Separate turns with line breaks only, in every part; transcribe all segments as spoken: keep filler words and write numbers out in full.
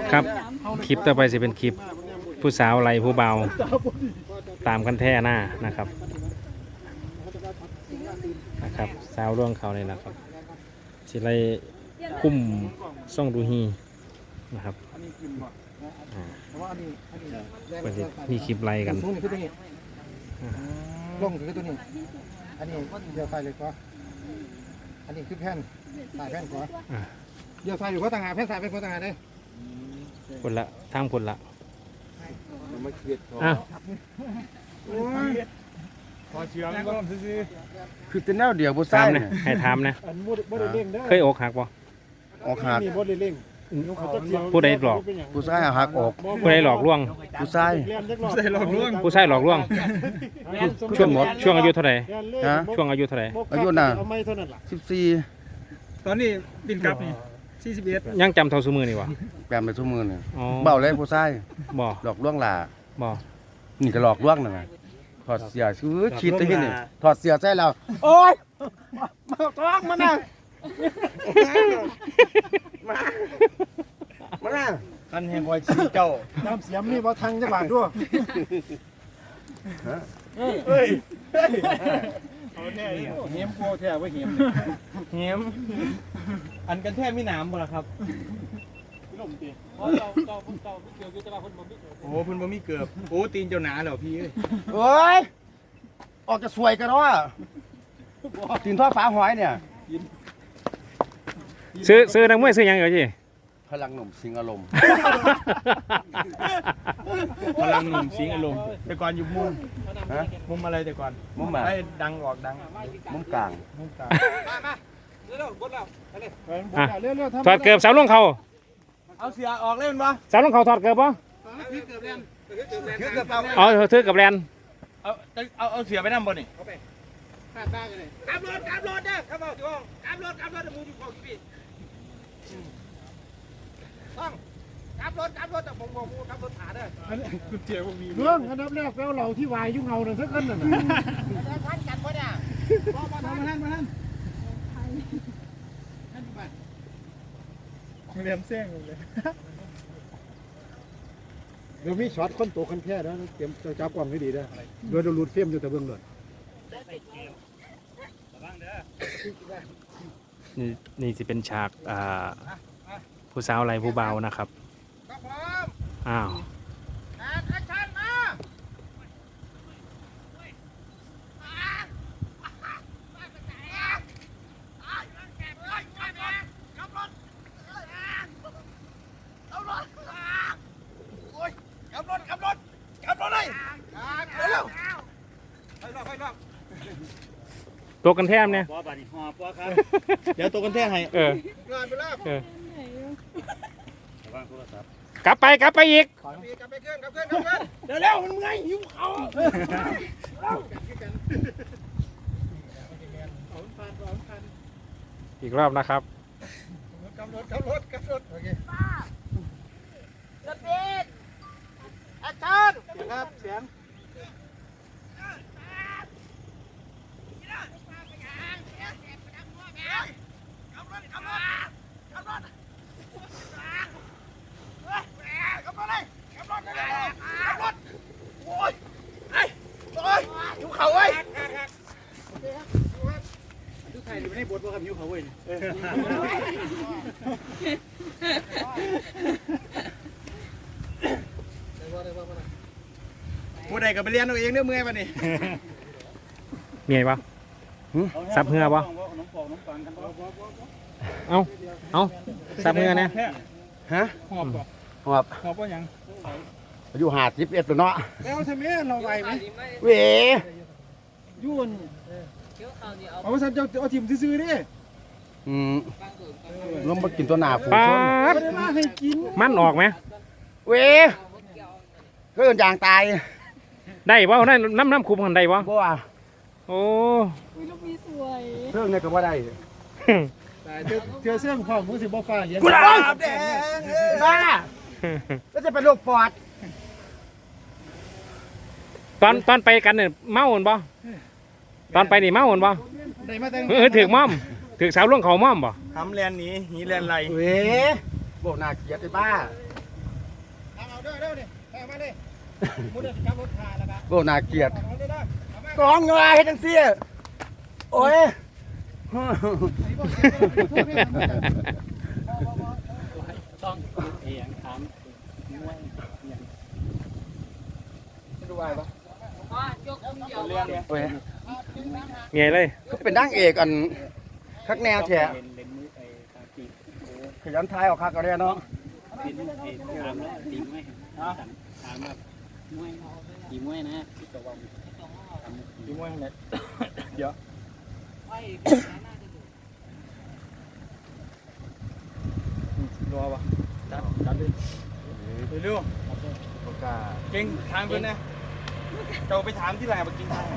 ครับคลิปต่อไปจะเป็นคลิปผู้สาวไรผู้เบาตามกันแท่หน้านะครับนะครับสาวร่วงเขาเลยนะครับสิไรคุ้มซ่องดูฮีนะครับเป็นมีคลิปไล่กัน
ลงคือตัวนี้อันนี้เดียวไฟเลยก็อันนี้คือแผ่นสายแผ่นก็เดียวไฟหรือว่าต่างหากแผ่นสายแผ่นก็ต่างหากเลย
คนละทางคนละ
อ้าว
พอเชื่อมก็ซื้อ
คือเป็นแนวเดียวบุษ
ตาม
เนี่
นะ
ย
ให้ถามนะเคยอกหักบ่
ออกหัก
ผู้ใดหลอก
ผู้ชายหักออก
ผู้ใดหลอกลวง
ผู้ชาย
ผู้ชายหลอกลวง
ผู้ชายหลอกลวงช่วงช่วงอายุเท่าไหร่ช่วงอายุเท่าไหร่
อายุน่ะสิบสี่
ตอนนี้บินกลับนี่สี่สิบเอ็ด
ยังจำเท่าสมือนี่วะ
แปมไปทุ่มมือเนี่ย
อ๋อ
เบาเลยผู้ชาย
บ่
หลอกลวงหล่า
บ่
นี่ก็หลอกลวงน่ะไงถอดเสื้อคือคิดได้ที่นี่ถอดเสื้อใส่เราโอ๊ยมาท้องมันน่ะมามาน่ะ
ท่านแห่งคอยชี้เจ้า
น้ำเสียมนี่บ่ทังจังหวะด้วย
เฮ้ยเฮ้ยเอาแท้เหี้ยมโคแท้ว่าเหี้ยมเหี้ยมอันกันแท้มีหนามบ่ล่ะครับล่มตีเพราะเจ้าเจ้าพุ่นเจ้าเกี่ยวกับเจ้าพุ่นบ่มีเกือบโอ้พุ่นบ่มีเกือบโอ้ตีนเจ้าหนาแล้วพี่เอ้ย
โอ้ยออกจะสวยกันเนาะตีนทอดฟ้าหอยเนี่ย
ซื้อซื้อนักมวยซื้อยังเหรอจี
พลังหนุ่มสิงอารมณ์
พลังหนุ่มสิงอารมณ์แต่ก่อนอยู่มุมฮะมุมอะไรแต่ก่อน
มุมแบบ
ไอ้ดังออกดัง
มุมกลาง
มุมกลางมามาเร็วๆบดแล้วไปเลย
ถอดเกือบสาวลงเขา
เอาเสียออกเล่นปะ
สาวลงเขาถอดเกือบปะ
ถือเกือบแลน
ถือเกือบเอาถือเกือบแลน
เอาเอาเอาเสียไปนั่งบนนี่เอาไปขาดบ้างเลยกลับรถกลับรถเด้อกลับรถที่ห้องกลับรถกลับรถเดี๋ยวมูอยู่ของพี่ต้องกลับรถกลับรถแต่ผมบอกมูกลับรถขาเด้ออันนี้คุณเจียวมี
เรื่องอันดับแรกแล้วเราที่วายยุ่งเงาเนี่ยสักคนน่ะ
ท่านกันปะเนี่ยมาท่านมาท่านมาท่านเรียนเส้นเลย
เดี๋ยวมีช็อตคนโตคนแค่แล้วเตรียมจับกล้องให้ดีด้วยโดยเราลูดเฟียมอยู่แต่เบื้องหลัง
นี่นี่จะเป็นฉากอ่าผู้สาวไรผู้เบานะครับอ้าวตัวกันแทมเนี่ย
เดี๋ยวตัวกันแท้ให้
เออเออกลับไปกลับไปอีก
กลับไปเคลื่อนกลับเคลื่อนกลับเคลื่อนเดี๋ยวเร็วมันไงหิวเขา
อีกรอบนะครับ
กลับรถกลับรถกลับรถโอเคสปีดแอคชั่นเสียงครับเสียงเขาเว้ยทุกไทยอยู่ในบทว่ากับยูเขาเว้ยผู้ใดก็ไปเรียนเอาเองเนื้อเมื่อยป่ะนี่
มีไงปะซับเหือปะเอาเอาซับเหือเนี่ย
ฮะ
หอบ
หอบ
หอบว่ายัง
อายุหาสิบเอ็ดตัวเนาะ
แล้วทำไมเราไหวไหม
เว้ย
ยุ่นเอาสันจะเอาถิ่มซื้อๆดิ
อืมลงมากินตัวหนาฝูงชน
มันออกไหม
เว้ยก็อย่างยางตาย
ได้ป่ะได้น้ำน้ำคุมกันได้ป่ะ
บ่ว่า
โอ้
เรื่องนี้ก็ว่าได้
เธอเสื้อผ้ามือสิบ่ฟ้าเย็น
กุหลาบแดงบ้าก็จะเป็นโรคปอด
ตอนตอนไปกันเนี่ยเมาหนบ่ตอนไปนี่เมาหนบ่เออถือม่อมถือสาวล่วงเขาม่อมบ่
ทำแลนนี้หีแลนไร
เว้ยโบนาเกียรติบ้าเด้อเด้อนี่แพ้มาเลยมุดเดินจับรถขาแล้วก็
โอ้น่าเกลียด
เอาเด้อเด้อก
องเงยเฮ็ดจังซี่โอ้ย
ต้องเอียงถามมวยอย่าง
ดูไว้ปะ
เรื่องเนี่ย
โอ้ย
เงยเลย
ก็เป็นนางเอกอันคักแนวแท้
เล่นเล่นมือไอ้ตาปีก
ขยันทายออกคักก็ได้เนาะ
เป็นไอ้ถามแล้วตีมวยถามแบบมวยตีมวยนะที่ตะวัน
ดูมวยเนี่ยเดี๋ยว
รอปะจัดจัดเลยเร็ว
บ่กล้า
เก่งทางเพื่อนนะเราไปถามที่ไหนมากินทางไหน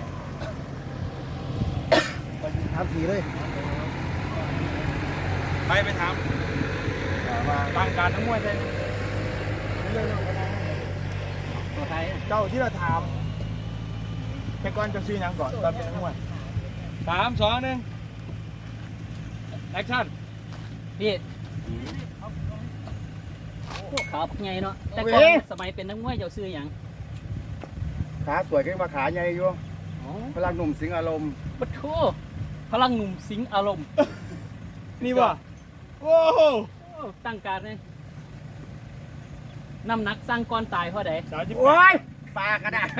ถามผีเลย
ไปไปถาม
มา
ต่างการทั้งมวยเลยเจ้าที่เราถามแต่ก่อนจะซื้อยังก่อนตอนเป็นนักมวยสามสองหนึ่งแอคชั่น
พี่พวกขาวพวกไงเนาะแต่ก่อนสมัยเป็นนักมวยเจ้าซื้ออย่าง
ขาสวยขึ้นมาขาใหญ่อยู่
อ๋อ
พลังหนุ่มสิงอารมณ์
ปะโถพลังหนุ่มสิงอารมณ์
นี่ว่ะโอ้โห
โอ้ตั้งการเลยน้ำหนักสร้างก้อนตายเพราะใด
สาวจิ๊บ
โอ้ยปากกระดาษ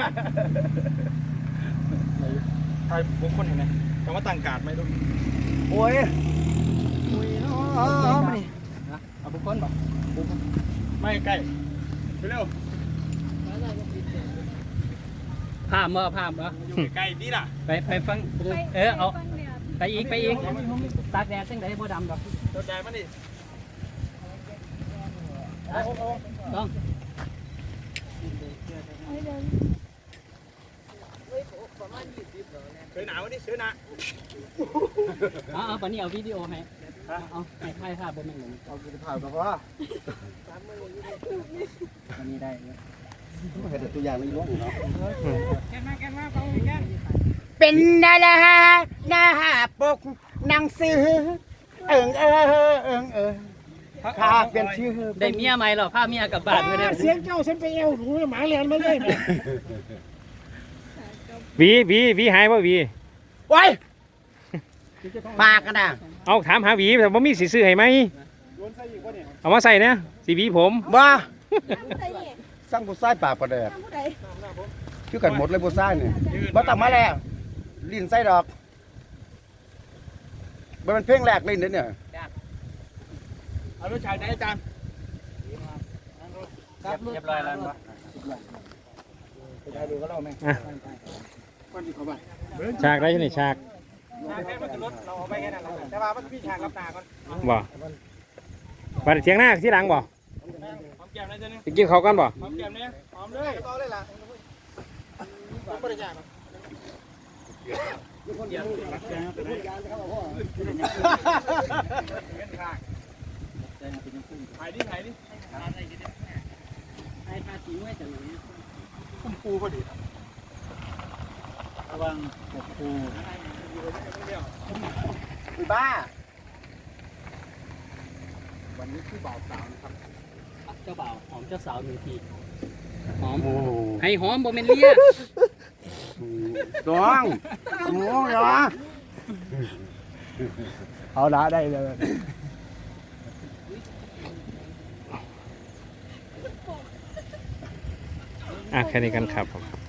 ใครผมคนเห็นไหมคำว่าต่างการไหมลูก
โอ้ยโอ้ยเนาะมานี่
นะเอาบุคคลบอก
ไม่ใกล้เร็ว
ภาพเมื่อภาพเหรอ
อยู่ใกล้นี่ล่ะ
ไปไปฟังเออเอาไปอีกไปอีกตากแดดจังไดบ่ดำดอก
ตัวใจมันดิ
ต้อง
เสือหนาวนี่เสือหนา
เอาเอาปานนี้เอาวิดีโอให้เอาเอาให้ถ่ายภาพบ่แม่นหนึ่ง
เอาไปถ่ายแบบว่า
อันนี้ได้เนี่ย
เห็นแต่ตัวอย่างในร่วงเนาะ
เป็นดาราหน้าปกหนังสือเอิงเอิงเอิงเอิงข้าเป็นชื่อ
ได้เมียใหม่เหรอพาเมียกลับบ้านไม่ได้
เสียงเจ้าฉันไปเอวหนูหมาเลียนมาเลยแม่
หวีหวีหวีหายป่ะหวี
โอ้ยปากกันนะ
เอาถามหาหวีแต่ว่ามีสีซื้อให้ไหมเอามาใส่เนี่ยสีหวีผม
บ้าสร้างผู้ชายปากประแดดคือกันหมดเลยผู้ชายนี่บ่ต้องมาแล้วลิ้นไส้ดอกมันเป็นเพลงแรกลิ้นเด้อเนี่ย
เอาลูกชายไหนอาจารย์
เรียบร้อยแล้วเนาะ
ไปได้ดูก็เล่าแม่
อ่ะ
ก้อนที่เขาไป
ฉากได้ที่ไหนฉาก
ฉากแค่มันคือรถเราเอาไปแค่นั้นแหละแต่ว่ามันพี่ฉากรับตาก่อน
บ่บัดเทียงหน้าที่หลังบ่
หอมแก้มเลยเจ้านี่
ไปกินเขาวกันบ่
หอมแก้มเนี่ยหอมเลยต่อเลยล่ะผมบริจาคถ่ายดิถ่ายดิ
ไอ้ภาษีไม่จังเลย
คุ้มปูพอดี
ระวังปกปู
อีบ้า
วันนี้คือบ่าวสาวนะครับ
เจ้าบ่าวหอมเจ้าสาวหนึ่งทีหอม
โอ้
ให้หอมบ่แม่นเลีย
ร้องโอ้ยเหรอเอาละได้เลย
อ่ะแค่นี้กันครับผม